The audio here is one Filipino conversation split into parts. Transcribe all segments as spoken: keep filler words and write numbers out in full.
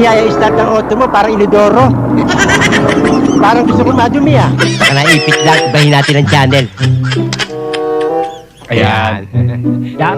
niyaya start ng auto mo, parang inidoro. Parang gusto kong madumi ah. Baka naipit lang, ibahin natin ang channel. Ayan. Yan.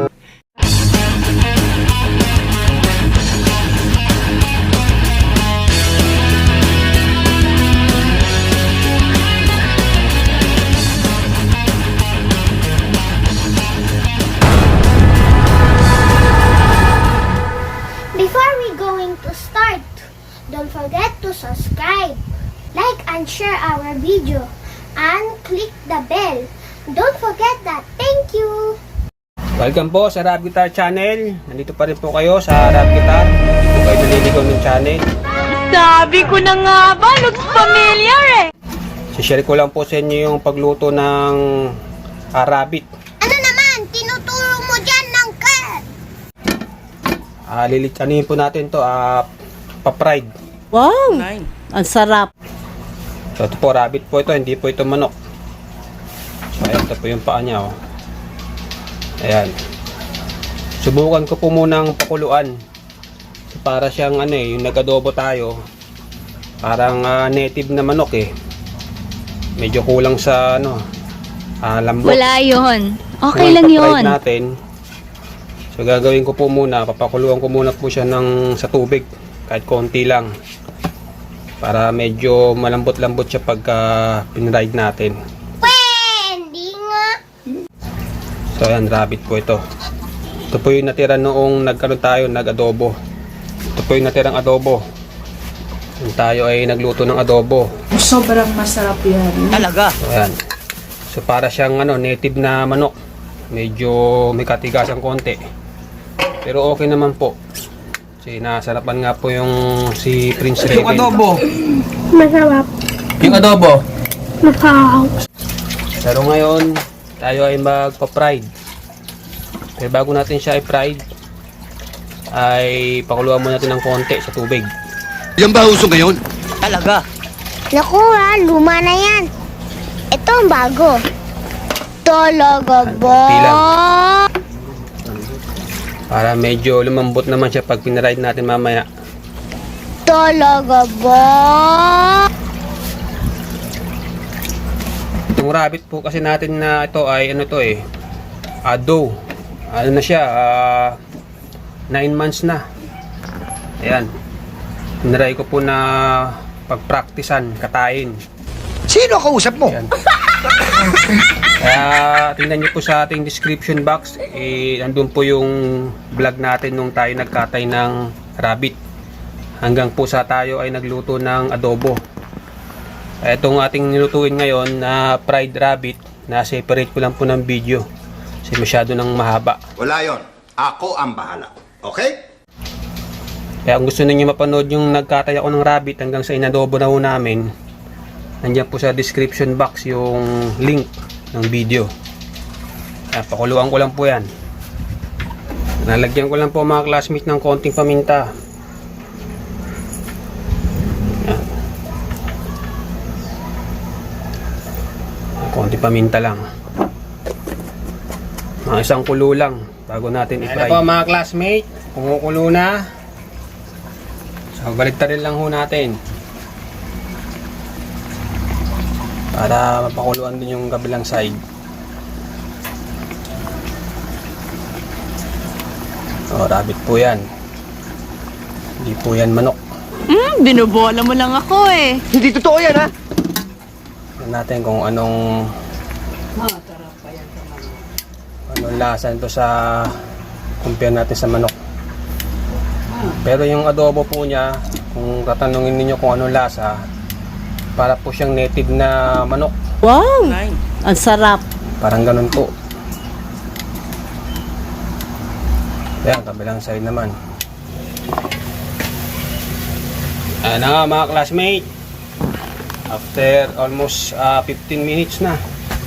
Before we going to start, don't forget to subscribe, like and share our video, and click the bell. Don't forget that. Thank you! Welcome po sa Rap Guitar Channel. Nandito pa rin po kayo sa Rap Guitar. Dito kayo naliligaw ng channel. Sabi ko na nga ba, looks familiar eh. Sishare ko lang po sa inyo yung pagluto ng ah, rabbit. Ano naman? Tinuturo mo dyan ng cat! Ah, lilit, ano yun po natin to? Ah, pa-fried. Wow, ang sarap. So ito po, rabbit po ito. Hindi po ito manok. So ayan, ito po yung paa niya. Oh. Ayan. Subukan ko po munang pakuluan. So, para siyang ano eh, yung nag-adobo tayo. Parang ah, native na manok eh. Medyo kulang sa ano, ah, lambot. Wala yun. Okay Ngayon, lang pa-fried yun. natin. So gagawin ko po muna, papakuluan ko muna po siya ng, sa tubig. Kahit konti lang. Para medyo malambot-lambot siya pagka pinride natin. Pwede nga! So ayan, rabbit po ito. Ito po yung natira noong nagkaroon tayo, nag-adobo. Ito po yung natirang adobo. Yung tayo ay nagluto ng adobo. Sobrang masarap yan. Talaga? So ayan. So para siyang ano, native na manok. Medyo may katigasan konti. Pero okay naman po. Kasi nasarapan nga po yung si Prince Raven. Yung adobo. Masarap. Yung adobo. Masarap. Pero ngayon, tayo ay magpa-fried. Pero bago natin siya i-fried, ay pakuluan muna natin ng konti sa tubig. Yan ba uso ngayon? Talaga? Naku ha, luma na yan. Ito ang bago. Talaga ba? Konti lang. Para medyo lumambot naman siya pag pinaride natin mamaya. Talaga ba? Itong rabbit po kasi natin na ito ay ano to eh, ado. Ano na siya, nine months na. Ayan. Pinaray ko po na pagpraktisan, katain. Sino kausap mo? Ayan. Kaya tingnan nyo po sa ating description box, eh, andun po yung vlog natin nung tayo nagkatay ng rabbit. Hanggang po sa tayo ay nagluto ng adobo. Itong ating nilutuin ngayon na fried rabbit, na separate ko lang po ng video. Kasi masyado nang mahaba. Wala yon. Ako ang bahala. Okay? Kaya kung gusto niyo mapanood yung nagkatay ako ng rabbit hanggang sa inadobo na ho namin, nandiyan po sa description box yung link ng video. Kaya pakuluan ko lang po yan. Nalagyan ko lang po mga classmates ng konting paminta. Yan. Konting paminta lang. Mga isang kulo lang bago natin i-fry. Ayan na po mga classmates, kumukulo na. So baliktarin lang ho natin. Para mapakuluan din yung kabilang side. O, rabbit po yan. Hindi po yan manok. Hmm, binubola mo lang ako eh. Hindi totoo yan ha? Tignan natin kung anong anong lasa nito sa compare natin sa manok. Pero yung adobo po niya, kung tatanungin niyo kung anong lasa, para po siyang native na manok. Wow, ang sarap. Parang ganun po. Ayan, kabilang side naman. Ayan na nga mga classmate. After almost uh, fifteen minutes na.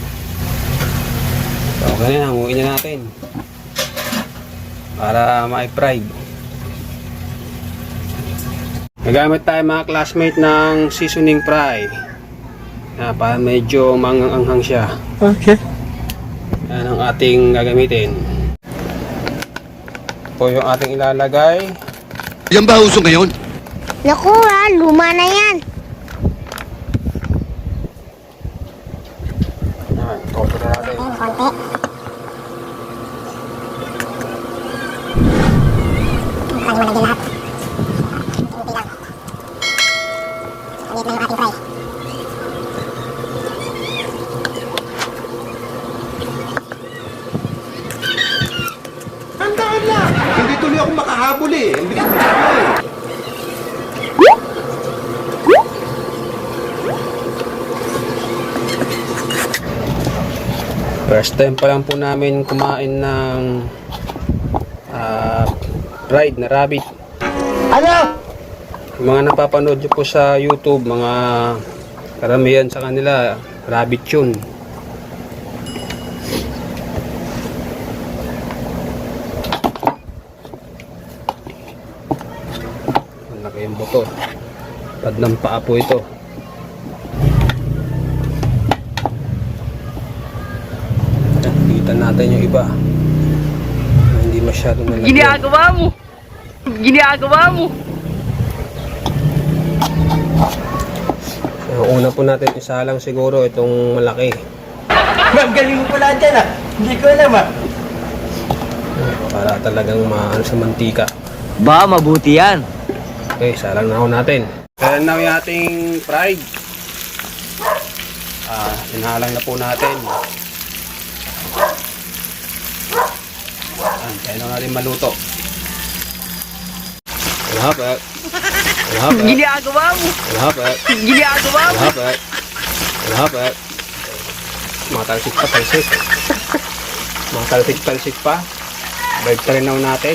So, ganyan, hanguin na natin. Para ma-fried. Nagamit tayo mga classmate ng seasoning fry. Na para medyo manganghang siya. Okay. Yan ang ating gagamitin. Po yung ating ilalagay. Yan ba uso ngayon? Naku ha, luma na yan. Yan, toto na natin. Konti. Ang malagyan lahat. Kunti lang. Ulit na yung ating fry. Tandaan lang. Hindi tuloy ako makahabol eh. Ang bilis mo eh. First time pa lang po namin kumain ng ah, fried na rabbit. Ano? Yung mga napapanood nyo po sa YouTube, mga karamihan sa kanila, rabbit yun. Ang laki yung buto. Tad ng paa po ito. Kita natin yung iba na hindi masyado nalagyan. Ginagawa mo. Ginagawa mo. So, una po natin isa lang siguro itong malaki. Ma'am, galing mo pala dyan ah. Hindi ko alam ah. Para talagang maano sa mantika. Ba, mabuti yan. Okay, salang na ho natin. Kaya na yung ating fried. Ah, sinalang na po natin. Ayan, kaya na natin maluto. Alhabat. Alhabat. Ginagawa mo. Alhabat. Ginagawa mo. Alhabat. Alhabat. Mga talsik pa, talsik. Mga talsik, talsik pa. Balik ka rin na ho natin.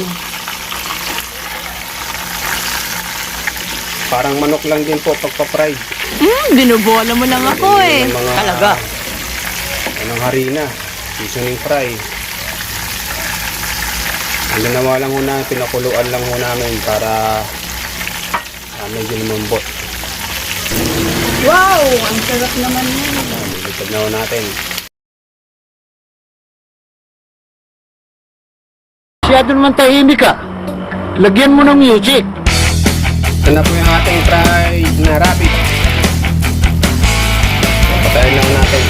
Parang manok lang din po pagpa-fried. Hmm, binubola mo lang ako eh. Yung mga, Talaga? Anong harina, seasoning fry. Ang ginawa lang muna, pinakuluan lang muna namin para uh, medyo lumambot. Wow! Ang sarap naman yan. Uh, Nilipad na ho natin. Masyado naman tahimik ka. Lagyan mo ng music. Ito na po yung ating fried na rabbit. Patayin lang natin.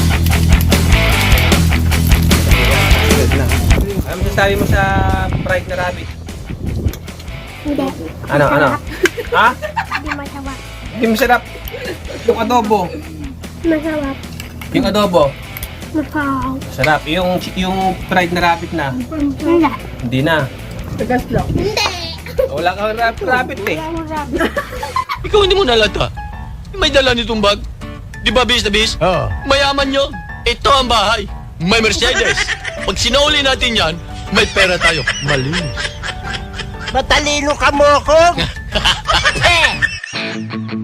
Good na. Ano masasabi mo sa fried na rabbit? Hindi. Ano, ano? Ha? Hindi masarap. Hindi masarap. Yung adobo. Masarap. Yung adobo. Masarap. Sarap. Yung, yung fried na rabbit na. Hindi. Hindi na. Tagas lang. Wala kang rab rabbit eh. Ikaw hindi mo nalata. May dala nitong bag. Di ba bis na bis? Oo. Mayaman nyo. Ito ang bahay. May Mercedes. Pag sinauli natin yan, may pera tayo. Malinis. Matalino ka mo ako.